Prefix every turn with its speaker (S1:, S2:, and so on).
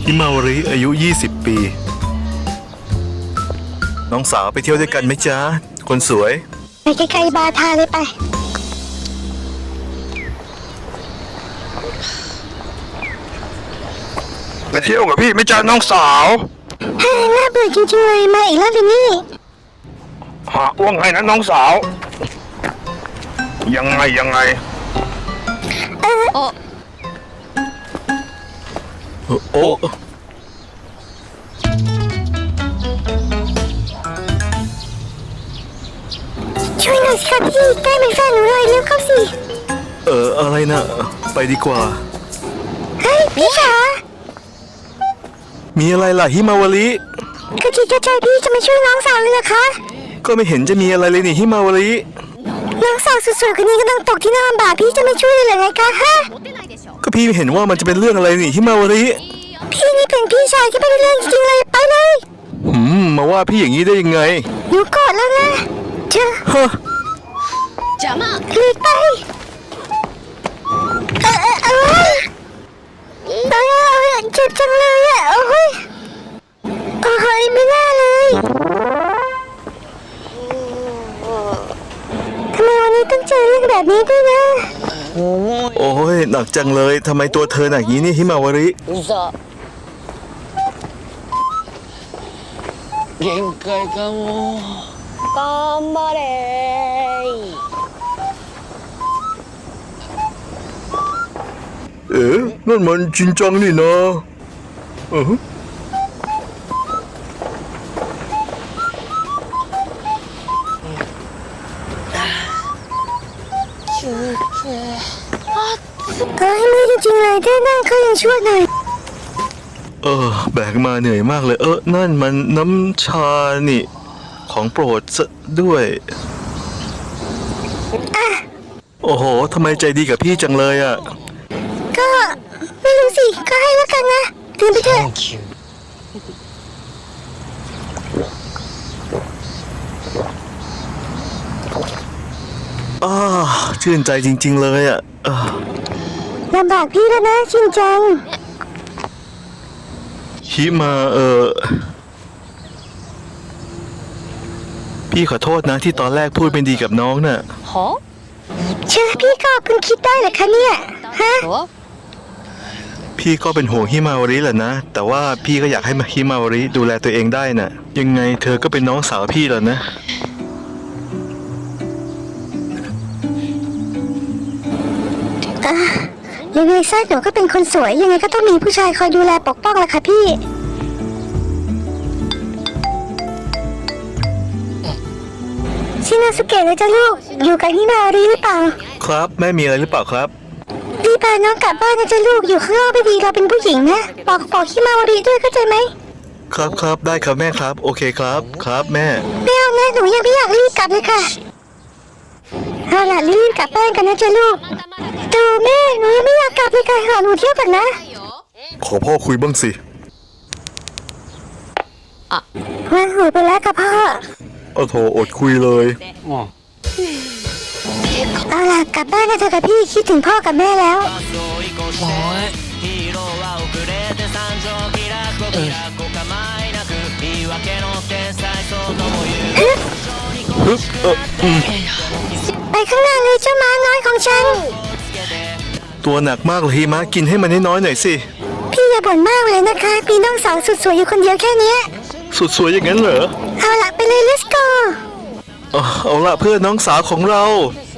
S1: ฮิมาวาริอายุ20 ปีน้องสาวไปเที่ยวด้วยกันไหมจ๊ะคนสวย
S2: ไปไกลๆบาทาเลยไป
S3: ไปเที่ยวกับพี่ไม่จ้าน้องสาว
S2: เฮ้ยน่าเบื่อจริงๆเลยมาอีกแล้วลินนี่
S3: หาอ้วงไงนะน้องสาวยังไง
S1: โอ้
S2: ช่วยหน่อยสิคะพี่ใกล้เป็นแฟนหนูเลยเร็วเข้าสิ
S1: อะไรนะไปดีกว่า
S2: เฮ้ยพี่คะ
S1: มีอะไรล่ะฮิมาวาริ
S2: กระจิตกระใจพี่จะมาช่วยน้องสาวเลยเหรอคะ
S1: ก็ไม่เห็นจะมีอะไรเลยนี่ฮิมาวาริ
S2: น้องสาวสวยๆคนนี้กำลังตกที่น่าลำบากพี่จะไม่ช่วยเลยเหรอไงคะฮะ
S1: ก็พี่เห็นว่ามันจะเป็นเรื่องอะไรนี่ฮิมาวาริ
S2: พี่นี่เป็นพี่ชายที่ไม่ได้เรื่องจริงๆเลยไปเลย
S1: มาว่าพี่อย่างนี้ได้ยังไง
S2: หนูกอดแล้วนะเจ้า
S1: ฮะ
S2: หลีกไปเจ็บจังเลยอ่ะโอ้ยไม่น่าเลยทำไมวันนี้ต้องเจอเรื่องแบบนี้ด้วยนะ
S1: โอ้ยหนักจังเลยทำไมตัวเธอหนักอย่างนี้นี่ฮิมาวาริ
S4: 限界かも頑張れ
S1: นั่นมันจริงจังนี่นะ
S2: ให้มือจริงๆเลยได้นั่งเขายังช่วยหน่อย
S1: แบกมาเหนื่อยมากเลยนั่นมันน้ำชานี่ของโปรดซะด้วยโอ้โหทำไมใจดีกับพี่จังเลยอ่ะ
S2: ก็ไม่รู้สิก็ให้แล้วกันนะดื่มไปเถอะ
S1: ชื่นใจจริงๆเลยอ่ะ
S2: ลำบากพี่แล้วนะจริงจัง
S1: ฮิมาพี่ขอโทษนะที่ตอนแรกพูดไม่ดีกับน้องน่ะ
S2: เชื่อพี่ก็คุณคิดได้เหรอคะเนี่ยฮะ
S1: พี่ก็เป็นห่วงฮิมาวาริแหละนะแต่ว่าพี่ก็อยากให้ฮิมาวาริดูแลตัวเองได้น่ะยังไงเธอก็เป็นน้องสาวพี่แล้วนะ
S2: ยังไงซะหนูก็เป็นคนสวยยังไงก็ต้องมีผู้ชายคอยดูแลปกป้องแหละค่ะพี่ชินาสุเกะเลยจ้ะลูกอยู่กับฮิมาวาริหรือเปล่า
S1: ครับแม่มีอะไรหรือเปล่าครับ
S2: รีบพาน้องกลับบ้านนะจ้ะลูกอยู่ข้างนอกไม่ดีเราเป็นผู้หญิงนะบอกฮิมาวาริด้วยเข้าใจไหม
S1: ครับได้ครับแม่ครับโอเคครับแม่
S2: ไม่เอานะหนูยังไม่อยากรีบกลับเลยค่ะเอาล่ะรีบกลับบ้านกันนะจ้ะลูกดูแม่หนูยังไม่อยากกลับเลยค่ะขอหนูเที่ยวก่อนนะ
S1: ขอพ่อคุยบ้างสิ
S2: วางหูไปแล้วค่ะพ่อ
S1: โถอดคุยเลย
S2: เอาล่ะกลับบ้านกันเถอะค่ะพี่คิดถึงพ่อกับแม่แล้วไปข้างหน้าเลยเจ้าม้าน้อยของฉัน
S1: ตัวหนักมากเลยฮิมะกินให้มันน้อยหน่อยสิ
S2: พี่อย่าบ่นมากเลยนะคะพี่น้องสาวสุดสวยอยู่คนเดียวแค่นี้
S1: สุดสวยอย่างนั้นเหรอ
S2: เอาล่ะไปเลย let's go
S1: เอาล่ะเพื่อนน้องสาวของเรา